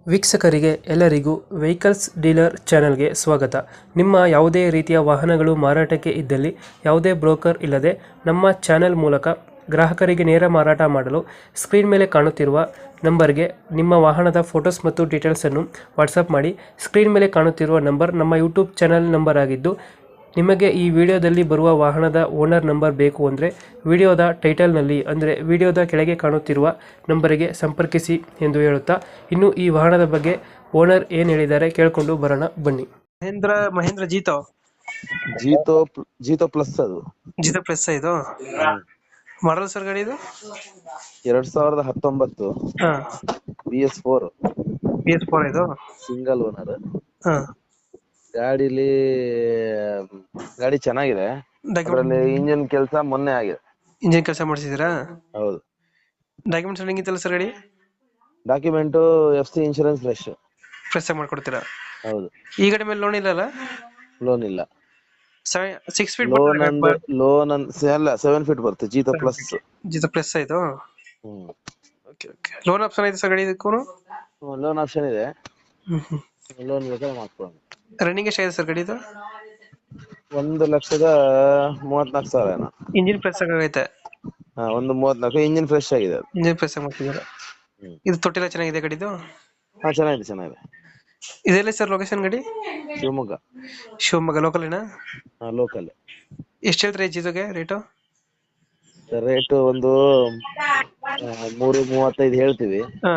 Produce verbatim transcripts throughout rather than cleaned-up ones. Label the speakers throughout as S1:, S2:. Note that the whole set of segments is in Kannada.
S1: ವೀಕ್ಷಕರಿಗೆ ಎಲ್ಲರಿಗೂ ವೆಹಿಕಲ್ಸ್ ಡೀಲರ್ ಚಾನೆಲ್ಗೆ ಸ್ವಾಗತ. ನಿಮ್ಮ ಯಾವುದೇ ರೀತಿಯ ವಾಹನಗಳು ಮಾರಾಟಕ್ಕೆ ಇದ್ದಲ್ಲಿ ಯಾವುದೇ ಬ್ರೋಕರ್ ಇಲ್ಲದೆ ನಮ್ಮ ಚಾನೆಲ್ ಮೂಲಕ ಗ್ರಾಹಕರಿಗೆ ನೇರ ಮಾರಾಟ ಮಾಡಲು ಸ್ಕ್ರೀನ್ ಮೇಲೆ ಕಾಣುತ್ತಿರುವ ನಂಬರ್ಗೆ ನಿಮ್ಮ ವಾಹನದ ಫೋಟೋಸ್ ಮತ್ತು ಡೀಟೇಲ್ಸನ್ನು ವಾಟ್ಸಪ್ ಮಾಡಿ. ಸ್ಕ್ರೀನ್ ಮೇಲೆ ಕಾಣುತ್ತಿರುವ ನಂಬರ್ ನಮ್ಮ ಯೂಟ್ಯೂಬ್ ಚಾನೆಲ್ ನಂಬರ್ ಆಗಿದ್ದು, ನಿಮಗೆ ಈ ವಿಡಿಯೋದಲ್ಲಿ ಬರುವ ವಾಹನದ ಓನರ್ ನಂಬರ್ ಬೇಕು ಅಂದರೆ ವಿಡಿಯೋದ ಟೈಟಲ್ನಲ್ಲಿ ಅಂದರೆ ವಿಡಿಯೋದ ಕೆಳಗೆ ಕಾಣುತ್ತಿರುವ ನಂಬರಿಗೆ ಸಂಪರ್ಕಿಸಿ ಎಂದು ಹೇಳುತ್ತಾ, ಇನ್ನು ಈ ವಾಹನದ ಬಗ್ಗೆ ಓನರ್ ಏನು ಹೇಳಿದ್ದಾರೆ ಕೇಳಿಕೊಂಡು ಬರೋಣ ಬನ್ನಿ. ಮಹೇಂದ್ರ ಮಹೇಂದ್ರ ಜೀತೋ
S2: ಜೀತೋ ಪ್ಲ- ಜೀತೋ ಪ್ಲಸ್ ಅದು
S1: ಜೀತೋ ಪ್ಲಸ್ ಇದು ಮಾಡಲ್ ಸರ್ ಗಾಡಿ ಇದು?
S2: ಎರಡ್ ಸಾವಿರದ ಹತ್ತೊಂಬತ್ತು
S1: ಹಾಂ,
S2: B S four
S1: B S four ಇದು.
S2: Single owner.
S1: ಹಾಂ,
S2: ಗಾಡಿಲಿ ಗಾಡಿ ಚೆನ್ನಾಗಿದೆ. ಅದರಲ್ಲಿ ಇಂಜಿನ್ ಕೆಲಸ ಮೊನ್ನೆ ಆಗಿದೆ.
S1: ಇಂಜಿನ್ ಕೆಲಸ ಮಾಡಿಸಿದ್ದೀರಾ?
S2: ಹೌದು.
S1: ಡಾಕ್ಯುಮೆಂಟ್ಸ್ ರನ್ನಿಂಗ್ ಇತ್ತಲ್ಲ ಸರ್ ಗಾಡಿ?
S2: Document F C insurance fresh.
S1: Fresh ಆಗಿ ಮಾಡ್ಕೊಡ್ತೀರಾ?
S2: ಹೌದು.
S1: ಈ ಗಾಡಿ ಮೇಲೆ ಲೋನ್ ಇಲ್ಲಲ್ಲ?
S2: ಲೋನ್ ಇಲ್ಲ.
S1: ಸಿಕ್ಸ್ ಫೀಟ್
S2: ಲೋನ್ ಅಂದ್ ಲೋನ್ ಅಲ್ಲ ಸೆವೆನ್ ಫೀಟ್ ಬರುತ್ತೆ. ಜೀತೋ ಪ್ಲಸ್.
S1: ಜೀತೋ ಪ್ಲಸ್ ಇದು.
S2: ಹ್ಮ್
S1: ಓಕೆ ಓಕೆ. ಲೋನ್ ಆಪ್ಷನ್ ಐತೆ ಸರ್ ಗಾಡಿ ಇದಕ್ಕೂ?
S2: ಲೋನ್ ಆಪ್ಷನ್ ಇದೆ.
S1: ಹ್ಮ್ ಹ್ಮ್.
S2: ಲೋನ್ ಬೇಕಾದ್ರೆ ಮಾಡ್ಕೊಳ್ಳೋಣ.
S1: ರನ್ನಿಂಗ್ ಎಷ್ಟಾಗಿದೆ ಸರ್ ಗಾಡಿ ಇದು?
S2: ಒಂದು ಲಕ್ಷದ ಮೂವತ್ನಾಲ್ಕು ಸಾವಿರ ಏನೋ.
S1: ಇಂಜಿನ್ ಪ್ರೆಸ್ ಆಗೈತೆ?
S2: ಹಾ, ಒಂದು ಮೂವತ್ನಾಲ್ಕು. ಇಂಜಿನ್ ಫ್ರೆಶ್ ಆಗಿದೆ ಅದು.
S1: ಇಂಜಿನ್ ಪ್ರೆಸ್ ಆಗಿ ಮಾಡ್ತಿದ್ದಾರೆ.
S2: ಹ್ಮ್.
S1: ಇದು ತೊಟ್ಟಿಲ್ಲ ಚೆನ್ನಾಗಿದೆ ಗಾಡಿದು?
S2: ಹಾ, ಚೆನ್ನಾಗಿದೆ ಚೆನ್ನಾಗಿದೆ.
S1: ಇದೆಲ್ಲ ಸರ್ ಲೊಕೇಶನ್ ಗಾಡಿ?
S2: ಶಿವಮೊಗ್ಗ.
S1: ಶಿವಮೊಗ್ಗ ಲೋಕಲಿನ?
S2: ಹಾ, ಲೋಕಲ್.
S1: ಎಷ್ಟು ಹೇಳ್ತಾರೆ ಜೀತೋಗೆ ರೇಟು?
S2: ರೇಟ್ ಒಂದು ಆ, ಮೂರು ಮೂವತ್ತೈದು ಹೇಳ್ತೀವಿ.
S1: ಹಾ,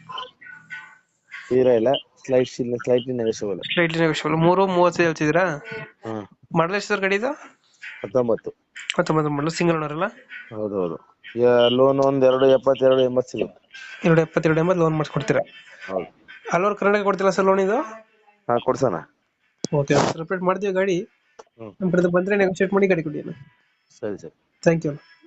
S2: ತೀರಾ ಇಲ್ಲ, slight slightly negotiable.
S1: Slightly negotiable. ಮೂರು ಮೂವತ್ತೈದು ಹೇಳ್ತಿದ್ದೀರಾ?
S2: ಹಾ,
S1: ಮಾಡಲ್ ಎಷ್ಟು ಸರ್ ಗಾಡಿ ಇದು?
S2: ಹತ್ತೊಂಬತ್ತು.
S1: ಹತ್ತೊಂಬತ್ತು ಮಾಡಲು. ಸಿಂಗಲ್ ಓನರ್ ಅಲ್ಲ?
S2: ಹೌದು ಹೌದು. ಲೋನ್ ಒಂದ್ ಎರಡು ಎಪ್ಪತ್ತೆರಡು ಎಂಬತ್ತು ಸಿಗುತ್ತೆ.
S1: ಎರಡು ಎಪ್ಪತ್ತೆರಡು ಎಂಬತ್ತು ಲೋನ್ ಮಾಡಿಸ್ಕೊಡ್ತೀರಾ?
S2: ಹೌದು.
S1: ಅಲ್ಲೋರ್ ಕರ್ನಾಟಕ ಕೊಡ್ತಿಲ್ಲ ಸರ್ ಲೋನ್ ಇದು?
S2: ಹಾ, ಕೊಡ್ಸೋಣ.
S1: ಓಕೆ, ಸೆಲೆಬ್ರೇಟ್ ಮಾಡ್ತೀವಿ ಗಾಡಿ.
S2: ಹ್ಮ್
S1: ನಮ್ಮ ಕಡೆ ಬಂದರೆ ನೆಗೋಷಿಯೇಟ್ ಮಾಡಿ ಗಾಡಿ ಕೊಡಿ.
S2: ಸರಿ ಸರಿ.
S1: Thank you.